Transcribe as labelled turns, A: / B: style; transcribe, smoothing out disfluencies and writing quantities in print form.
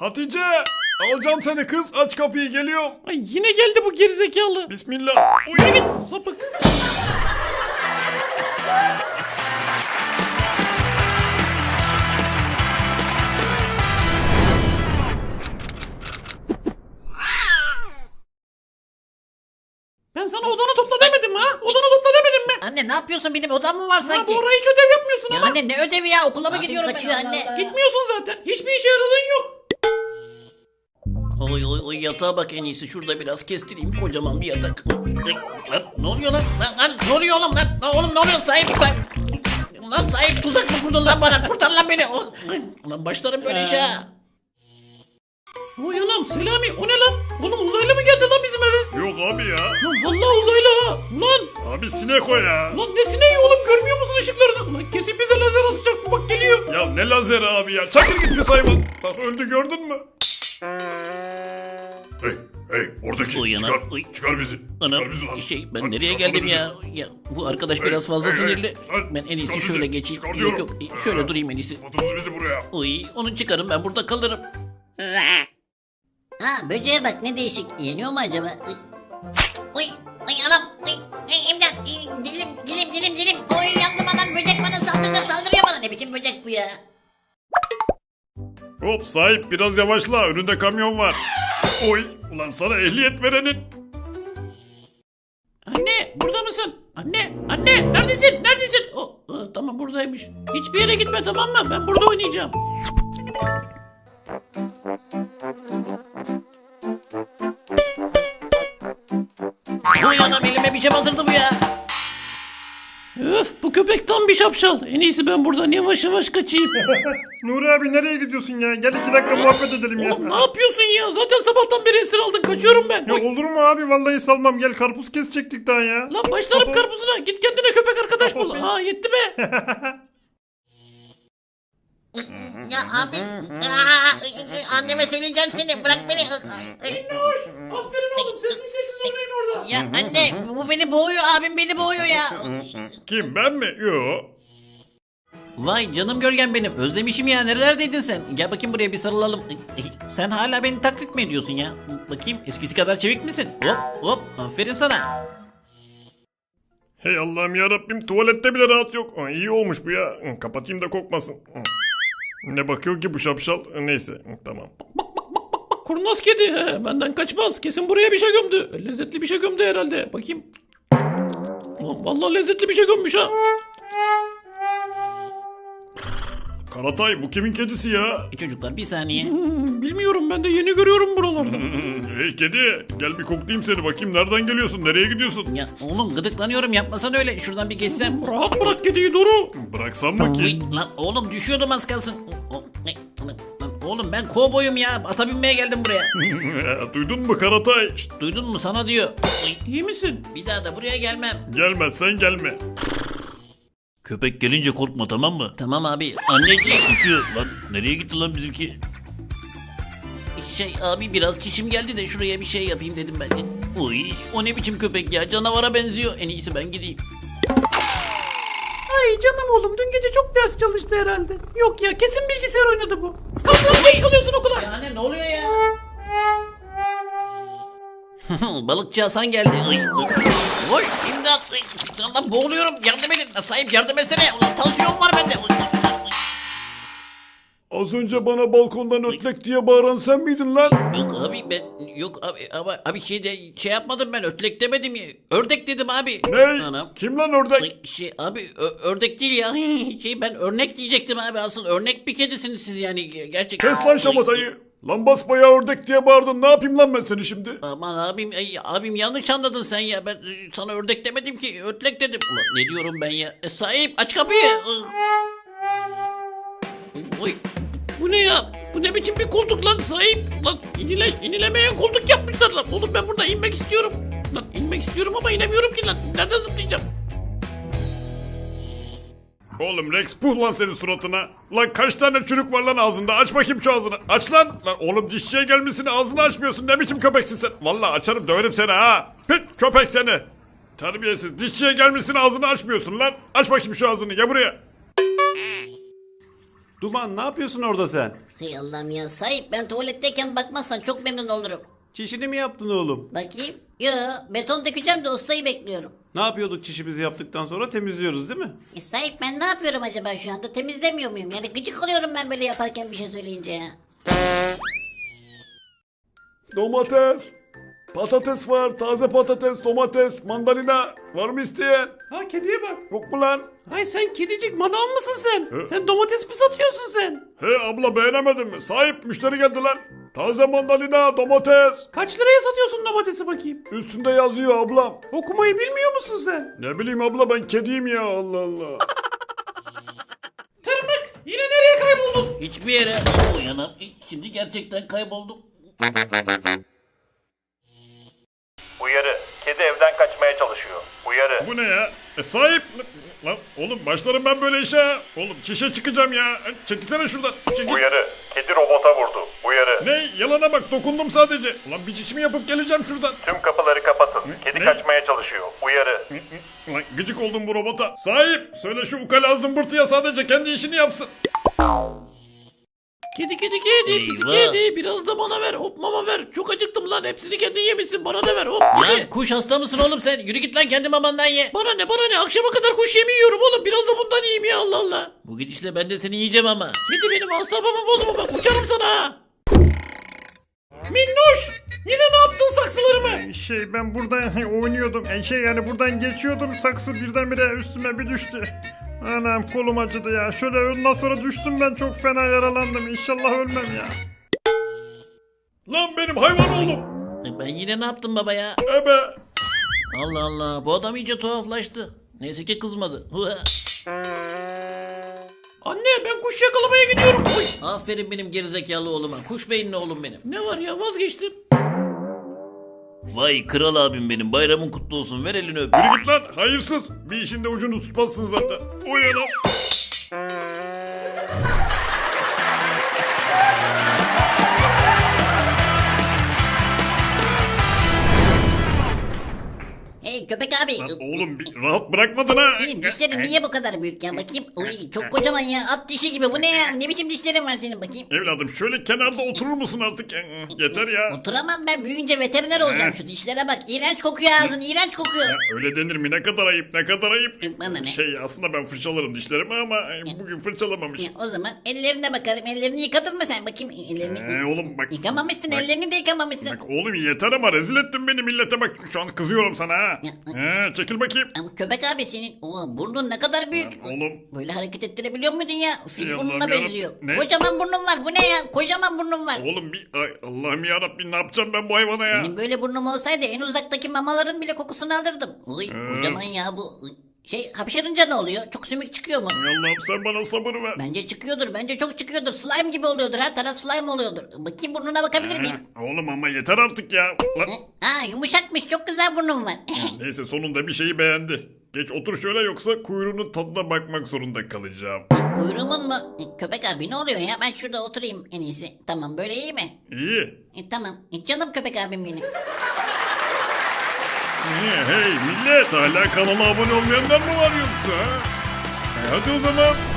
A: Hatice! Alacağım seni kız. Aç kapıyı, geliyorum.
B: Ay yine geldi bu gerizekalı.
A: Bismillah.
B: Yürü git sapık. Ben sana odanı topla demedim mi ha? Odanı topla demedim mi?
C: Anne ne yapıyorsun, benim odam mı var
B: Ha,
C: sanki?
B: bu ara hiç ödev yapmıyorsun
C: Ya
B: ama.
C: anne ne ödevi ya, okula mı
D: Abim
C: gidiyorum
D: kaçıyor
C: ben?
D: anne.
B: Gitmiyorsun zaten. Hiçbir işe yaradığın yok.
E: Oy oy oy, yatağa bak, en iyisi şurada biraz kestireyim, kocaman bir yatak. Ay, lan, ne oluyor lan? Lan, ne oluyor oğlum lan? Oğlum ne oluyor? Sahip. Lan sahip, tuzak mı kurdun lan bana? Kurtar lan beni. Lan başlarım böyle işe.
B: Oy anam Selami, o ne lan? Oğlum uzaylı mı geldi lan bizim eve?
A: Yok abi ya.
B: Lan vallahi uzaylı ha. Lan.
A: Abi sinek o ya.
B: Lan ne sineği oğlum, görmüyor musun ışıklarını? Lan kesin bize lazer atacak bu, bak geliyor.
A: Ya ne lazeri abi ya. Çakır git pis hayvan. Bak öldü, gördün mü?
F: Hey oradaki
E: Uy anam,
F: çıkar,
E: uy.
F: çıkar bizi.
E: Anam
F: Çıkar bizi lan.
E: ben
F: Lan
E: nereye
F: çıkarsana
E: geldim
F: bizi.
E: ya? Bu arkadaş
F: Hey,
E: biraz fazla
F: hey, hey,
E: sinirli.
F: sen
E: Ben en iyisi
F: çıkar
E: şöyle
F: bizi.
E: geçeyim.
F: Çıkar
E: Yok
F: diyorum.
E: yok, şöyle durayım en iyisi.
F: Atınız bizi buraya.
E: Uy, onu çıkarın, ben burada kalırım.
D: Ha böceğe bak ne değişik. Yeniyor mu acaba? Ay,
C: Uy, ay anam, ay, imdat, dilim. Oy yandım anam, böcek bana saldırıyor bana. Ne biçim böcek bu ya?
A: Hop sahip, biraz yavaşla. Önünde kamyon var. Oy. Ulan sana ehliyet verenin.
B: Anne burada mısın? Anne neredesin? Tamam buradaymış. Hiçbir yere gitme, tamam mı? Ben burada oynayacağım.
E: Uy anam, elime bir şey batırdı bu ya.
B: Öf, bu köpek tam bir şapşal. En iyisi ben buradan yavaş yavaş kaçayım.
A: Nuri abi nereye gidiyorsun ya? Gel 2 dakika muhabbet edelim ya.
B: Oğlum ne yapıyorsun ya? Zaten sabahtan beri esir aldın. Kaçıyorum ben.
A: Ya olur mu abi? Vallahi salmam. Gel, karpuz kesecektik daha ya.
B: Lan başlarım karpuzuna. Git kendine köpek arkadaş bul. Ha yetti be.
C: Ya abi, anneme söyleyeceğim seni, bırak beni.
B: Aferin oğlum. Sessiz oynayın orada.
C: Ya anne, bu beni boğuyor, abim beni boğuyor ya.
A: Kim, ben mi? Yo.
E: Vay canım gölgem benim, özlemişim ya, nerelerdeydin sen? Gel bakayım buraya, bir sarılalım. Sen hala beni taklit mi ediyorsun ya? Bakayım, eskisi kadar çevik misin? Hop aferin sana.
A: Hey Allah'ım ya Rabbim, tuvalette bile rahat yok. İyi olmuş bu ya. Kapatayım da kokmasın. Ne bakıyor ki bu şapşal? Neyse tamam.
B: Bak kurnaz kedi. Benden kaçmaz. Kesin buraya bir şey gömdü. Lezzetli bir şey gömdü herhalde. Bakayım. Ulan vallahi lezzetli bir şey gömmüş ha.
A: Karatay, bu kimin kedisi ya?
E: Çocuklar bir saniye.
B: Bilmiyorum, ben de yeni görüyorum buralarda.
A: Hey kedi, gel bir koklayayım seni, bakayım nereden geliyorsun, nereye gidiyorsun?
E: Ya oğlum, gıdıklanıyorum, yapmasan öyle. Şuradan bir geçsem.
B: Rahat bırak kediyi Doru.
A: Bıraksam mı ki?
E: Uy, lan oğlum düşüyordum az kalsın. Lan oğlum, ben kovboyum ya. Ata binmeye geldim buraya.
A: Duydun mu Karatay? Şşt,
E: Duydun mu, sana diyor. Uy,
B: İyi misin?
E: bir daha da buraya gelmem.
A: gelmezsen gelme.
E: Köpek gelince korkma, tamam mı? Tamam abi. Anneciğim.
A: Lan nereye gitti lan bizimki?
E: Abi biraz çişim geldi de şuraya bir şey yapayım dedim ben de. Uy, o ne biçim köpek ya, canavara benziyor. En iyisi ben gideyim.
B: Ay canım oğlum, dün gece çok ders çalıştı herhalde. Yok ya, kesin bilgisayar oynadı bu. Kalk lan, geç kalıyorsun okula.
E: Ya anne, ne oluyor ya? Balıkçı Hasan geldi. Oy imdat. Allah, boğuluyorum, yardım edin. Sahip yardım etsene. Ulan tansiyon var bende.
A: Az önce bana balkondan ötlek diye bağıran sen miydin lan?
E: Yok abi, abi şey yapmadım, ben ötlek demedim ya. Ördek dedim abi.
A: Ne?
E: Anam.
A: Kim lan ördek?
E: Abi ördek değil ya. Ben örnek diyecektim abi, asıl örnek bir kedisiniz siz yani, gerçekten.
A: Kes lan şamatayı. Lan basbayağı ördek diye bağırdın. Ne yapayım lan ben seni şimdi?
E: Aman abim yanlış anladın sen ya. Ben sana ördek demedim ki, ötlek dedim. Ulan ne diyorum ben ya? Sahip aç kapıyı. Oy.
B: Bu ne ya? Bu ne biçim bir koltuk lan sahip? Lan inilemeyen koltuk yapmışlar lan. Oğlum ben burada inmek istiyorum. Lan inmek istiyorum ama inemiyorum ki lan. Nereden zıplayacağım?
A: Oğlum Rex, puh lan senin suratına. Lan kaç tane çürük var lan ağzında? Aç bakayım şu ağzını. Aç lan. Lan oğlum, dişçiye gelmişsin, ağzını açmıyorsun. Ne biçim köpeksin sen? Vallahi açarım, döverim seni ha. Pit köpek seni. Terbiyesiz. Dişçiye gelmişsin, ağzını açmıyorsun lan. Aç bakayım şu ağzını. Gel buraya.
G: Duman, ne yapıyorsun orada sen?
D: Hey Allah'ım ya sahip ben tuvaletteyken bakmazsan çok memnun olurum.
G: Çişini mi yaptın oğlum?
D: Bakayım. Yo beton dökeceğim de ustayı bekliyorum.
G: Ne yapıyorduk çişimizi yaptıktan sonra temizliyoruz değil mi?
D: Sahip ben ne yapıyorum acaba şu anda temizlemiyor muyum? Yani gıcık oluyorum ben böyle yaparken bir şey söyleyince ya.
A: Domates. Patates var. Taze patates, domates, mandalina. Var mı isteyen?
G: Ha kediye bak.
A: Yok mu lan?
G: Ay sen kedicik manav mısın sen?
A: He.
G: Sen domates mi satıyorsun sen?
A: He abla beğenemedin mi? Sahip müşteri geldi lan. Taze mandalina, domates.
G: Kaç liraya satıyorsun domatesi bakayım?
A: Üstünde yazıyor ablam.
G: Okumayı bilmiyor musun sen?
A: Ne bileyim abla ben kediyim ya Allah Allah.
G: Tırmık yine nereye kayboldun?
E: Hiçbir yere. Uyanam. Şimdi gerçekten kayboldum.
H: Uyarı. Kedi evden kaçmaya çalışıyor. Uyarı.
A: Bu ne ya? Sahip. Lan oğlum başlarım ben böyle işe. Ha. Oğlum çişe çıkacağım ya. Çekilsene şuradan. Çekil.
H: Uyarı. Kedi robota vurdu. Uyarı.
A: Ne? Yalana bak dokundum sadece. Ulan bir çişimi yapıp geleceğim şuradan.
H: Tüm kapıları kapatın. Kedi
A: Ne?
H: kaçmaya çalışıyor. Uyarı.
A: Ulan gıcık oldum bu robota. Sahip söyle şu ukala zımbırtıya sadece kendi işini yapsın.
B: Kedi pisi
E: Eyvah.
B: kedi biraz da bana ver hop mama ver. Çok acıktım lan hepsini kendin yemişsin bana da ver hop
E: Lan
B: kedi.
E: kuş hasta mısın oğlum sen? Yürü git lan kendi mamandan ye.
B: Bana ne akşama kadar kuş yemi yiyorum oğlum biraz da bundan yiyeyim ya Allah Allah.
E: Bu gidişle ben de seni yiyeceğim ama.
B: Kedi benim asabımı bozma bak uçarım sana ha. Minnoş yine ne yaptın saksılarımı?
I: Ben burada oynuyordum. Yani buradan geçiyordum. Saksı birdenbire üstüme bir düştü. Anam kolum acıdı ya. Şöyle ondan sonra düştüm ben çok fena yaralandım. İnşallah ölmem ya.
A: Lan benim hayvan oğlum.
E: Ben yine ne yaptım baba ya?
A: Ebe.
E: Allah Allah bu adam iyice tuhaflaştı. Neyse ki kızmadı.
B: Anne ben kuş yakalamaya gidiyorum. Oy.
E: Aferin benim gerizekalı oğluma. Kuş beyinli oğlum benim.
B: Ne var ya vazgeçtim.
E: Vay kral abim benim. Bayramın kutlu olsun. Ver elini öp.
A: Yürü git lan hayırsız. Bir işin de ucunu tutmazsın zaten. Uyanım.
D: Hey köpek abi.
A: Lan oğlum bir rahat bırakmadın ha.
D: Senin dişlerin niye bu kadar büyük ya bakayım. Uy çok kocaman ya at dişi gibi bu ne ya ne biçim dişlerin var senin bakayım.
A: Evladım şöyle kenarda oturur musun artık? Yeter ya.
D: Oturamam ben büyüyünce veteriner olacağım şu dişlere bak. İğrenç kokuyor ağzın iğrenç kokuyor.
A: Ya öyle denir mi? Ne kadar ayıp, ne kadar ayıp.
D: Bana ne?
A: Aslında ben fırçalarım dişlerimi ama bugün fırçalamamış.
D: O zaman ellerine bakarım. Ellerini yıkadın mı sen? Bakayım ellerini.
A: Oğlum bak.
D: Yıkamamışsın
A: Bak.
D: ellerini de yıkamamışsın.
A: Bak oğlum yeter ama rezil ettin beni millete bak. Şu an kızıyorum sana ha.
D: Ya.
A: Çekil bakayım.
D: Ama köpek abi senin burnun ne kadar büyük.
A: Oğlum.
D: Böyle hareket ettirebiliyor muydun ya? Fil
A: Ey
D: burnuna
A: Allah'ım yarabbim.
D: benziyor.
A: Ne?
D: Kocaman burnun var. Bu ne ya? Kocaman burnun var.
A: Oğlum Allah'ım yarabbim ne yapacağım ben bu hayvana ya?
D: Benim böyle burnum olsaydı en uzaktaki mamaların bile kokusunu alırdım. Uy
A: Ee?
D: kocaman ya bu. Hapşırınca ne oluyor? Çok sümük çıkıyor mu?
A: Ey Allah'ım sen bana sabır ver.
D: Bence çıkıyordur. Bence çok çıkıyordur. Slime gibi oluyordur. Her taraf slime oluyordur. Bakayım burnuna bakabilir miyim?
A: Oğlum ama yeter artık ya. Lan.
D: Yumuşakmış. Çok güzel burnum var.
A: Neyse sonunda bir şeyi beğendi. Geç otur şöyle yoksa kuyruğunun tadına bakmak zorunda kalacağım.
D: Kuyruğumun mu? Köpek abi ne oluyor ya? Ben şurada oturayım en iyisi. Tamam böyle iyi mi?
A: İyi.
D: Tamam. Canım köpek abim benim.
A: Hey millet hala kanala abone olmayanlar mı var yoksa? Hadi o zaman